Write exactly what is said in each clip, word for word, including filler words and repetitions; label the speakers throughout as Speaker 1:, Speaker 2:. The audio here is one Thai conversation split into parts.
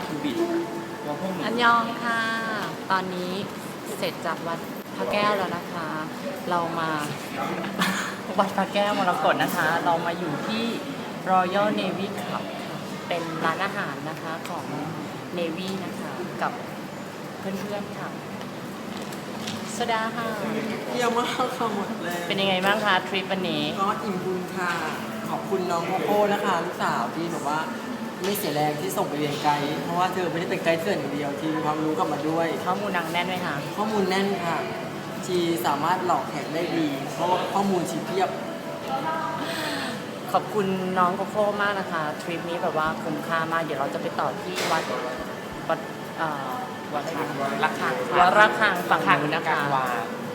Speaker 1: คือบิดตัวพวกหนู
Speaker 2: อันยองค่ะ ตอนนี้เสร็จจากวัดพระแก้วแล้วนะคะ เรามา วัดพระแก้วมรกตนะคะ เรามาอยู่ที่ Royal Navy Club เป็นร้านอาหารนะคะของ Navy นะคะกับเพื่อนๆค่ะสวัสดีค่ะ
Speaker 3: เยี่ยมมากค่ะหมดเลย
Speaker 2: เป็นยังไงบ้างคะทริปวันนี้
Speaker 3: ก็อิ่มบุญค่ะ ขอบคุณน้องโกโก้นะคะลูกสาวที่แบบว่าไม่เสียแรงที่ส่งไปเรียนไกด์เพราะว่าเธอไม่ได้เป็นไกด์เถื่อนอย่างเดียวที่มีความรู้กลับมาด้วย
Speaker 2: ข้อมูลหนังแน่นไหมคะ
Speaker 3: ข้อมูลแน่นค่ะชีสามารถหลอกแขกได้ดี เพราะว่าข้อมูลชีเพียบ
Speaker 2: ขอบคุณน้องโกโก้มากนะคะทริปนี้แบบว่าคุ้มค่ามากเดี๋ยวเราจะไปต่อที่วัดวัดเอ่อวัดอะไรนะ
Speaker 1: ระฆัง
Speaker 2: วัดระฆังฝั่งนู้นนะคะ
Speaker 1: วา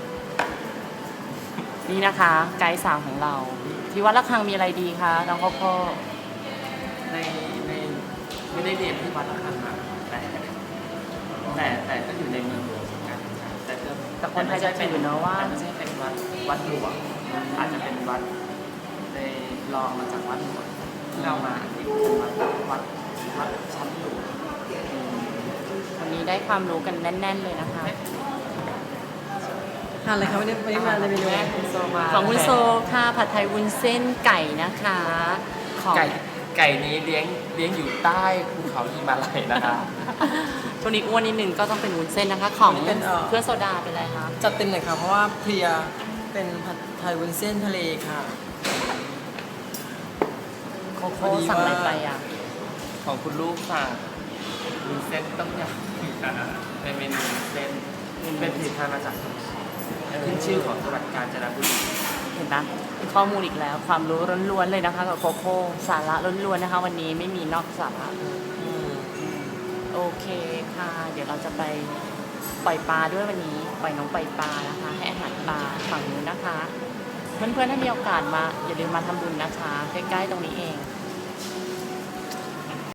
Speaker 2: นี่นะคะไกด์สาวของเรา ที่วัดระฆังมีอะไรดีคะน้องโกโก้
Speaker 1: ในในไม่ได้เรียนที่วัดระฆังมาแต่แต่แต่ก็อยู่ในเมืองหลวงเหมือนกันแต่ก็
Speaker 2: แต่คนไทยจะถือเนอะว่า
Speaker 1: แต่ไม่ใช่เป็นวัดวัดหลวงอาจจะเป็นวัดในรองมาจากวัดหลวงที่เรามาที่เป็นวัดวัดวัดชั้นหลวง
Speaker 2: วันนี้ได้ความรู้กันแน่น ๆเลยนะคะ
Speaker 3: ทานอะไรคะวันนี้วันนี้มาในเมนู
Speaker 1: แม่คุณโซมา
Speaker 2: ของคุณโซค่ะผัดไทยวุ้นเส้นไก่นะคะของ
Speaker 1: ไก่ไก่นี้เลี้ยงเลี้ยงอยู่ใต้ภูเขาหิมาลัยนะคะ
Speaker 2: ตัวนี้อ้วนนิดนึงก็ต้องเป็นวุ้นเส้นนะคะ ของเพื่อนโซดาเป็นอะไรคะ
Speaker 3: จัดเต็มหน่อยค่ะเพราะว่าเพลียเป็นผัดไทยวุ้นเส้นทะเลค่ะ
Speaker 2: โคโค่สั่งอะไรไปอ่ะ
Speaker 1: ของคุณลูกสั่งวุ้นเส้นต้มยำเป็นเมนูวุ้นเส้นเป็นผลิตภัณฑ์มาจากขึ้นชื่อของจังหวัดกาญจนบุรี
Speaker 2: เห็นไหมข้อมูลอีกแล้ว ความรู้ล้วนๆเลยนะคะกับโคโค่สาระล้วนๆนะคะ วันนี้ไม่มีนอกสาระโอเคค่ะ เดี๋ยวเราจะไปปล่อยปลาด้วยวันนี้ปล่อยน้องปล่อยปลานะคะ ให้อาหารปลาฝั่งนู้นนะคะ เพื่อนๆถ้ามีโอกาสมาอย่าลืมมาทำบุญนะคะใกล้ๆตรงนี้เอง